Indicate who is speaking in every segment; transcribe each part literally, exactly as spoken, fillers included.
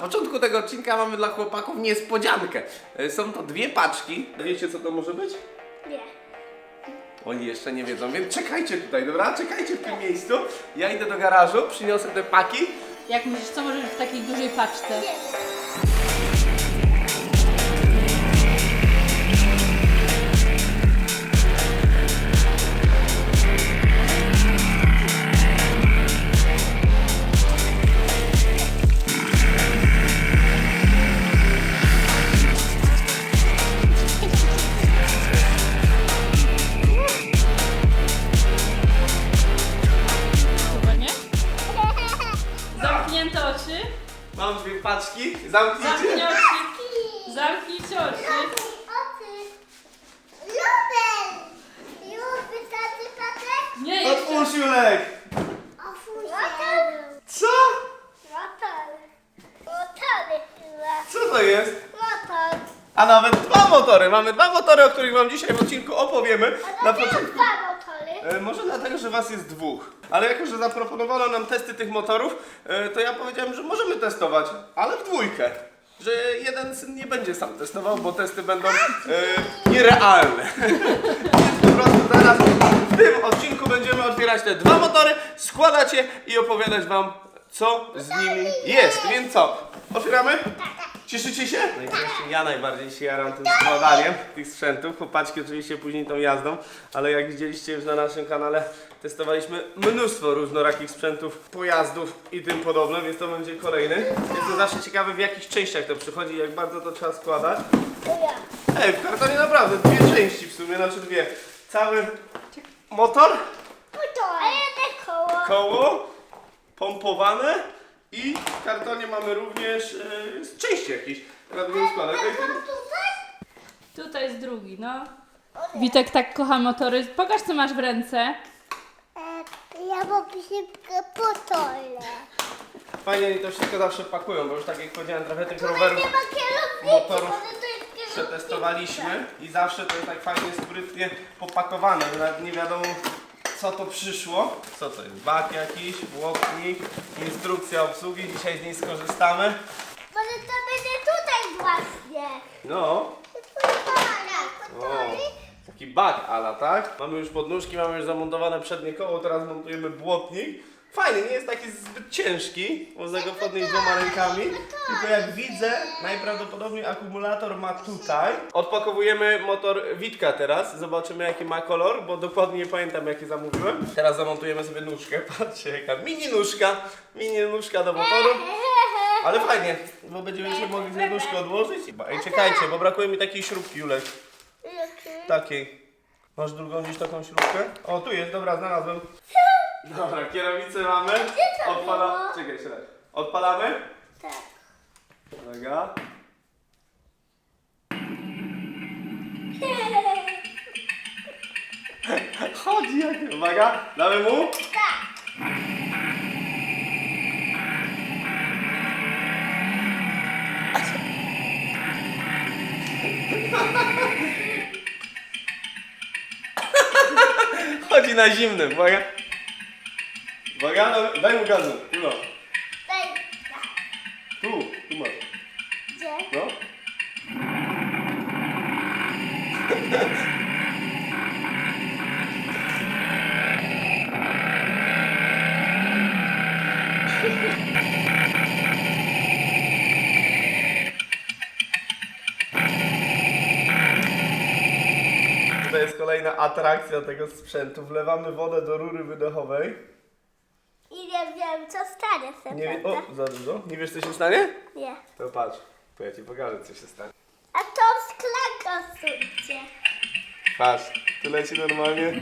Speaker 1: początku tego odcinka mamy dla chłopaków niespodziankę. Są to dwie paczki. Wiecie, co to może być?
Speaker 2: Nie.
Speaker 1: Oni jeszcze nie wiedzą, więc czekajcie tutaj, dobra? Czekajcie w tym miejscu. Ja idę do garażu, przyniosę te paki.
Speaker 3: Jak myślisz, co może być w takiej dużej paczce? Chyba nie? Zamknięte oczy.
Speaker 1: Mam dwie paczki, zamknijcie.
Speaker 3: Zamknij oczy. Zamknijcie oczy.
Speaker 2: Oczy. Lubel. Lubię tacy patek?
Speaker 3: Nie, jeszcze.
Speaker 1: Otwórz, Julek!
Speaker 2: Otwórz się.
Speaker 1: Co?
Speaker 2: Motor. Motory chyba.
Speaker 1: Co to jest?
Speaker 2: Motor.
Speaker 1: A nawet dwa motory. Mamy dwa motory, o których wam dzisiaj w odcinku opowiemy.
Speaker 2: A
Speaker 1: Na
Speaker 2: dlaczego
Speaker 1: początku.
Speaker 2: dwa motory?
Speaker 1: E, może dlatego, że was jest dwóch. Ale jako, że zaproponowano nam testy tych motorów, e, to ja powiedziałem, że możemy testować, ale w dwójkę. Że jeden syn nie będzie sam testował, bo testy będą e, nierealne. Więc po prostu zaraz w tym odcinku będziemy otwierać te dwa motory, składać je i opowiadać wam, co z nimi jest. Więc co? Otwieramy? Cieszycie się? No i właśnie ja najbardziej się jaram tym składaniem tych sprzętów. Chłopaczki oczywiście później tą jazdą, ale jak widzieliście już na naszym kanale, testowaliśmy mnóstwo różnorakich sprzętów, pojazdów i tym podobne, więc to będzie kolejny. Jestem zawsze ciekawy, w jakich częściach to przychodzi i jak bardzo to trzeba składać.
Speaker 2: To ja.
Speaker 1: Ej, w kartonie naprawdę dwie części w sumie, znaczy dwie. Cały motor,
Speaker 2: Motor. A jedno koło.
Speaker 1: koło, pompowane i w kartonie mamy również e, części jakieś. Teraz będziemy składać. Ej, ten-
Speaker 2: Tutaj?
Speaker 3: Tutaj jest drugi, no. Witek tak kocha motory. Pokaż, co masz w ręce.
Speaker 2: E, ja mam szybko potole.
Speaker 1: Fajnie oni to wszystko zawsze pakują, bo już tak jak powiedziałem, trochę tych
Speaker 2: Tutaj
Speaker 1: rowerów
Speaker 2: nie ma kierownicy.
Speaker 1: motorów
Speaker 2: może to jest kierownica.
Speaker 1: przetestowaliśmy i zawsze to jest tak fajnie, sprytnie popakowane, że nawet nie wiadomo, co to przyszło. Co to jest? Bak jakiś, błotnik, instrukcja obsługi, dzisiaj z niej skorzystamy.
Speaker 2: Może to będzie tutaj właśnie.
Speaker 1: No,
Speaker 2: Potole.
Speaker 1: o, taki bak ala, tak? Mamy już podnóżki, mamy już zamontowane przednie koło, teraz montujemy błotnik. Fajny, nie jest taki zbyt ciężki, można go podnieść dwoma rękami. Tylko jak widzę, najprawdopodobniej akumulator ma tutaj. Odpakowujemy motor Witka teraz, zobaczymy jaki ma kolor, bo dokładnie nie pamiętam jaki zamówiłem. Teraz zamontujemy sobie nóżkę, patrzcie jaka mini nóżka, mini nóżka do motoru. Ale fajnie, bo będziemy się mogli tę nóżkę odłożyć. Ej, czekajcie, bo brakuje mi takiej śrubki, Julek. Takiej. Masz drugą gdzieś taką śrubkę? O, tu jest, dobra, znalazłem. Dobra, kierownicę mamy.
Speaker 2: to
Speaker 1: Odpala...
Speaker 2: było?
Speaker 1: Czekaj, czekaj. Odpalamy?
Speaker 2: Tak.
Speaker 1: Uwaga. Chodzi jak... Uwaga, damy mu.
Speaker 2: Tak.
Speaker 1: Chodzi na zimnym, uwaga. Uwaga, daj- daj mu gazu. Tu, no.
Speaker 2: Daj. Tak.
Speaker 1: Tu, tu masz.
Speaker 2: Gdzie?
Speaker 1: No. To jest kolejna atrakcja tego sprzętu. Wlewamy wodę do rury wydechowej.
Speaker 2: I nie wiem, co stanie się.
Speaker 1: Nie, wie-
Speaker 2: prawda?
Speaker 1: o, za dużo. Nie wiesz, co się stanie?
Speaker 2: Nie.
Speaker 1: To patrz. To ja ci pokażę, co się stanie.
Speaker 2: A tą szklankę suńcie.
Speaker 1: Patrz, tu leci normalnie.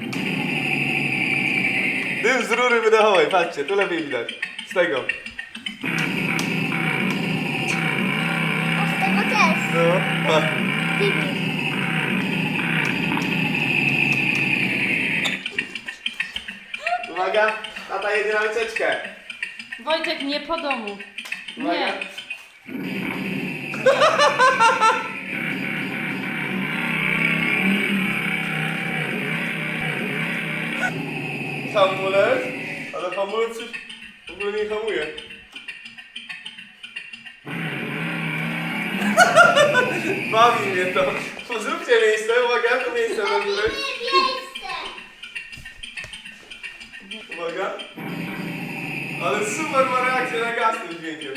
Speaker 1: Dym z rury wydechowej, patrzcie, tu lepiej widać. Z tego.
Speaker 2: A z tego też.
Speaker 1: No, pa.
Speaker 2: Bibi.
Speaker 1: Uwaga, tata jedzie na wycieczkę.
Speaker 3: Wojtek, nie po domu.
Speaker 1: Uwaga.
Speaker 3: Nie.
Speaker 1: Hamulec, ale hamulec już w ogóle nie hamuje. Bawi mnie to. Zróbcie miejsce, uwaga, to miejsce na górę.
Speaker 2: miejsce.
Speaker 1: Uwaga. Ale super ma reakcję na gaz tym dźwiękiem.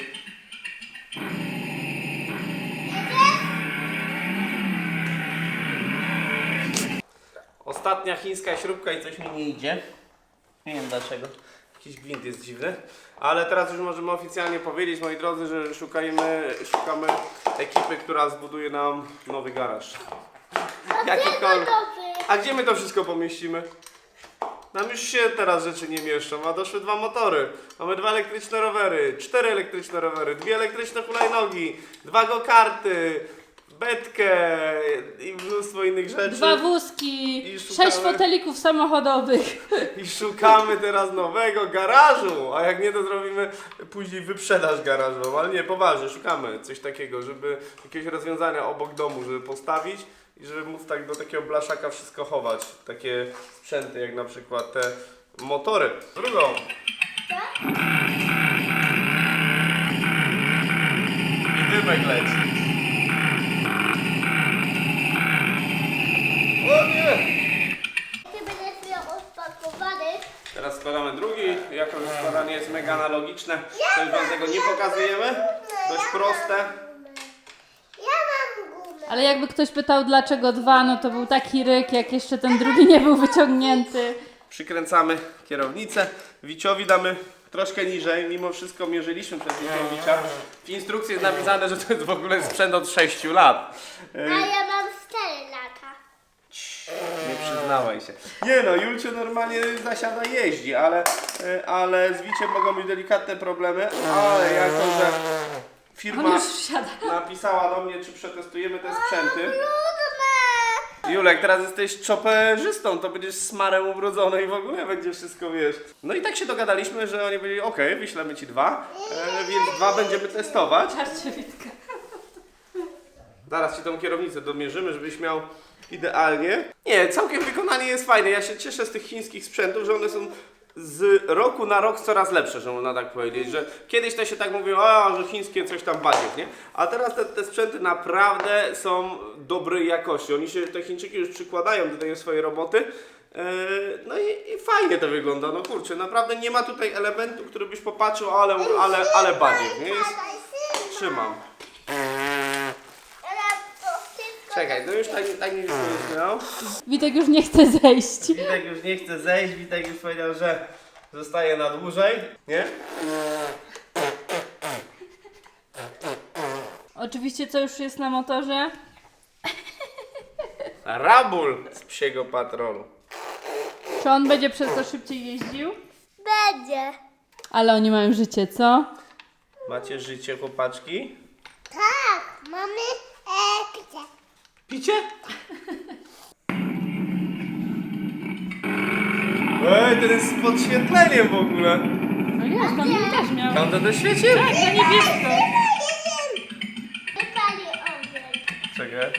Speaker 1: Ostatnia chińska śrubka i coś mi nie idzie. Nie wiem dlaczego. Jakiś gwint jest dziwny. Ale teraz już możemy oficjalnie powiedzieć, moi drodzy, że szukajmy, szukamy ekipy, która zbuduje nam nowy garaż. Jakikolwiek. A gdzie my to wszystko pomieścimy? Nam już się teraz rzeczy nie mieszczą, a doszły dwa motory. Mamy dwa elektryczne rowery, cztery elektryczne rowery, dwie elektryczne hulajnogi, dwa go-karty, betkę i mnóstwo innych rzeczy.
Speaker 3: Dwa wózki,
Speaker 1: I szukamy-
Speaker 3: sześć fotelików samochodowych.
Speaker 1: I szukamy teraz nowego garażu, a jak nie, to zrobimy później wyprzedaż garażową. Ale nie, poważnie, szukamy coś takiego, żeby jakieś rozwiązania obok domu, żeby postawić i żeby móc tak do takiego blaszaka wszystko chować. Takie sprzęty jak na przykład te motory. Drugą. I dymek leci. O nie!
Speaker 2: Ty będziesz miał odpakowany.
Speaker 1: Teraz składamy drugi, jako że składanie jest mega analogiczne, to już wam tego nie pokazujemy. Dość proste.
Speaker 2: Ja mam gumę.
Speaker 3: Ale jakby ktoś pytał dlaczego dwa, no to był taki ryk, jak jeszcze ten drugi nie był wyciągnięty.
Speaker 1: Przykręcamy kierownicę. Wiciowi damy troszkę niżej, mimo wszystko mierzyliśmy przez Wiciowicia. W instrukcji jest napisane, że to jest w ogóle sprzęt od sześciu lat.
Speaker 2: A ja mam cztery lata.
Speaker 1: Nie przyznawaj się. Nie no, Julcie normalnie zasiada jeździ, ale, e, ale z Wiciem mogą być delikatne problemy, ale jako, że
Speaker 3: On
Speaker 1: firma
Speaker 3: już wsiada.
Speaker 1: napisała do mnie, czy przetestujemy te sprzęty.
Speaker 2: Trudne.
Speaker 1: Julek, teraz jesteś czoperzystą, to będziesz smarem ubrodzony i w ogóle będzie wszystko, wiesz. No i tak się dogadaliśmy, że oni powiedzieli, okej, wyślemy ci dwa, e, więc dwa będziemy testować.
Speaker 3: Patrzcie, Witka.
Speaker 1: Zaraz ci tą kierownicę domierzymy, żebyś miał idealnie. Nie, całkiem wykonanie jest fajne. Ja się cieszę z tych chińskich sprzętów, że one są z roku na rok coraz lepsze, że można tak powiedzieć, że kiedyś to się tak mówiło, a że chińskie coś tam badziew, nie? A teraz te, te sprzęty naprawdę są dobrej jakości. Oni się, te Chińczyki już przykładają do tej swojej roboty. Yy, no i, i fajnie to wygląda, no kurczę, naprawdę nie ma tutaj elementu, który byś popatrzył, ale, ale, ale badziew, nie? Jest, trzymam. Czekaj, no już tak, tak nie wyszło, no.
Speaker 3: Witek już nie chce zejść.
Speaker 1: Witek już nie chce zejść, Witek już powiedział, że zostaje na dłużej, nie?
Speaker 3: Oczywiście co już jest na motorze?
Speaker 1: Rabul z psiego patrolu.
Speaker 3: Czy on będzie przez to szybciej jeździł?
Speaker 2: Będzie.
Speaker 3: Ale oni mają życie, co?
Speaker 1: Macie życie, chłopaczki?
Speaker 2: Tak, mamy e, picie.
Speaker 1: Picie? Ej, ten jest z podświetleniem w ogóle.
Speaker 3: No jest, on mi też miał.
Speaker 1: Tam to też świeci?
Speaker 3: Tak, na niebiesko.
Speaker 2: Nie pali ogień.
Speaker 1: Czekaj.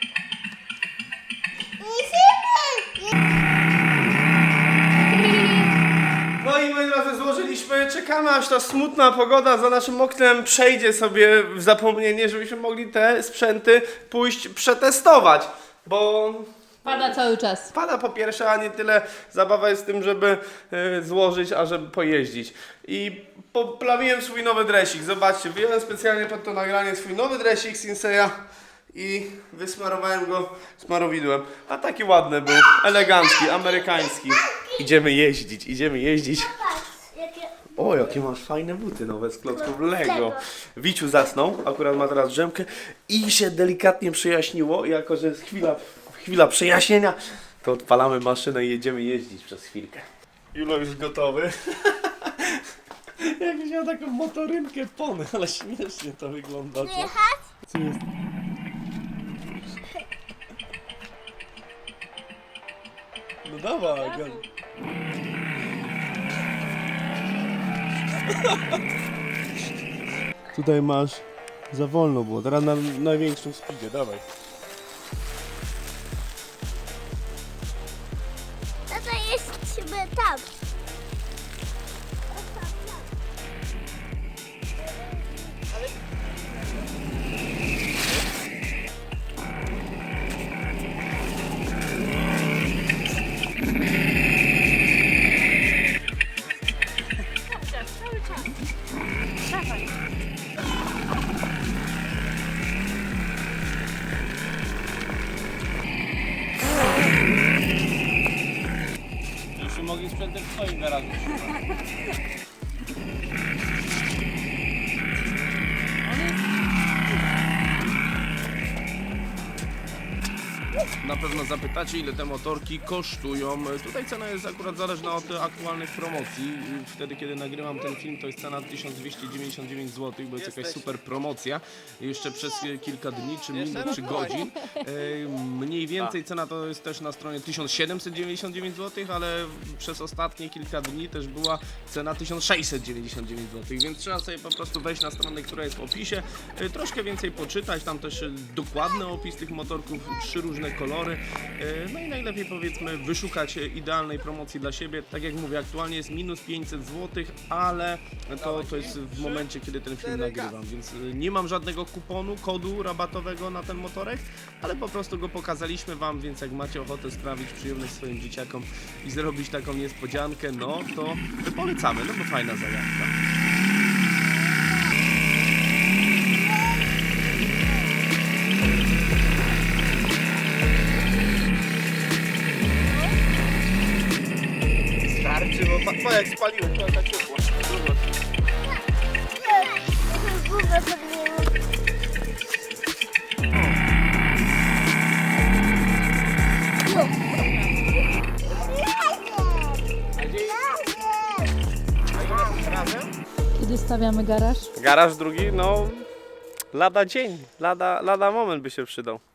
Speaker 1: No i moi drodzy, złożyliśmy, czekamy aż ta smutna pogoda za naszym oknem przejdzie sobie w zapomnienie, żebyśmy mogli te sprzęty pójść przetestować, bo
Speaker 3: Pada cały czas.
Speaker 1: pada po pierwsze, a nie tyle zabawa jest w tym, żeby y, złożyć, a żeby pojeździć. I poplawiłem swój nowy dresik, zobaczcie, wyjąłem specjalnie pod to nagranie swój nowy dresik Sinseya i wysmarowałem go smarowidłem. A taki ładny był, elegancki, amerykański. Idziemy jeździć, idziemy jeździć.
Speaker 2: Patrz, jakie...
Speaker 1: O, jakie masz fajne buty nowe z klocków Lego.
Speaker 2: Lego.
Speaker 1: Wiciu zasnął, akurat ma teraz drzemkę i się delikatnie przejaśniło. Jako że jest chwila, chwila przejaśnienia, to odpalamy maszynę i jedziemy jeździć przez chwilkę. Julo już gotowy. Jakbyś miał taką motorynkę pony, ale śmiesznie to wygląda. Co?
Speaker 2: Jechać?
Speaker 1: Co jest? No dawaj, go. Tutaj masz za wolno było, teraz na największym speedzie, dawaj.
Speaker 2: No to jesteśmy tam.
Speaker 1: stoi w garażu. Na pewno zapytacie, ile te motorki kosztują. Tutaj cena jest akurat zależna od aktualnych promocji. Wtedy, kiedy nagrywam ten film, to jest cena tysiąc dwieście dziewięćdziesiąt dziewięć złotych, bo jest jakaś super promocja. Jeszcze przez kilka dni, czy minut, czy godzin. E, Mniej więcej cena to jest też na stronie tysiąc siedemset dziewięćdziesiąt dziewięć złotych, ale przez ostatnie kilka dni też była cena tysiąc sześćset dziewięćdziesiąt dziewięć złotych, więc trzeba sobie po prostu wejść na stronę, która jest w opisie, e, troszkę więcej poczytać, tam też e, dokładny opis tych motorków, trzy różne kolory, e, no i najlepiej powiedzmy wyszukać e, idealnej promocji dla siebie. Tak jak mówię, aktualnie jest minus pięćset złotych, ale to, to jest w momencie, kiedy ten film nagrywam, więc e, nie mam żadnego kuponu, kodu rabatowego na ten motorek, ale po prostu go pokazaliśmy wam, więc jak macie ochotę sprawić przyjemność swoim dzieciakom i zrobić taką niespodziankę, no to polecamy, no bo fajna zajawka. Starczy, bo pa, pa jak spaliłem, to tak ciepło.
Speaker 2: Głowę podniemy.
Speaker 3: Kiedy stawiamy garaż?
Speaker 1: Garaż drugi, no lada dzień, lada, lada moment by się przydał.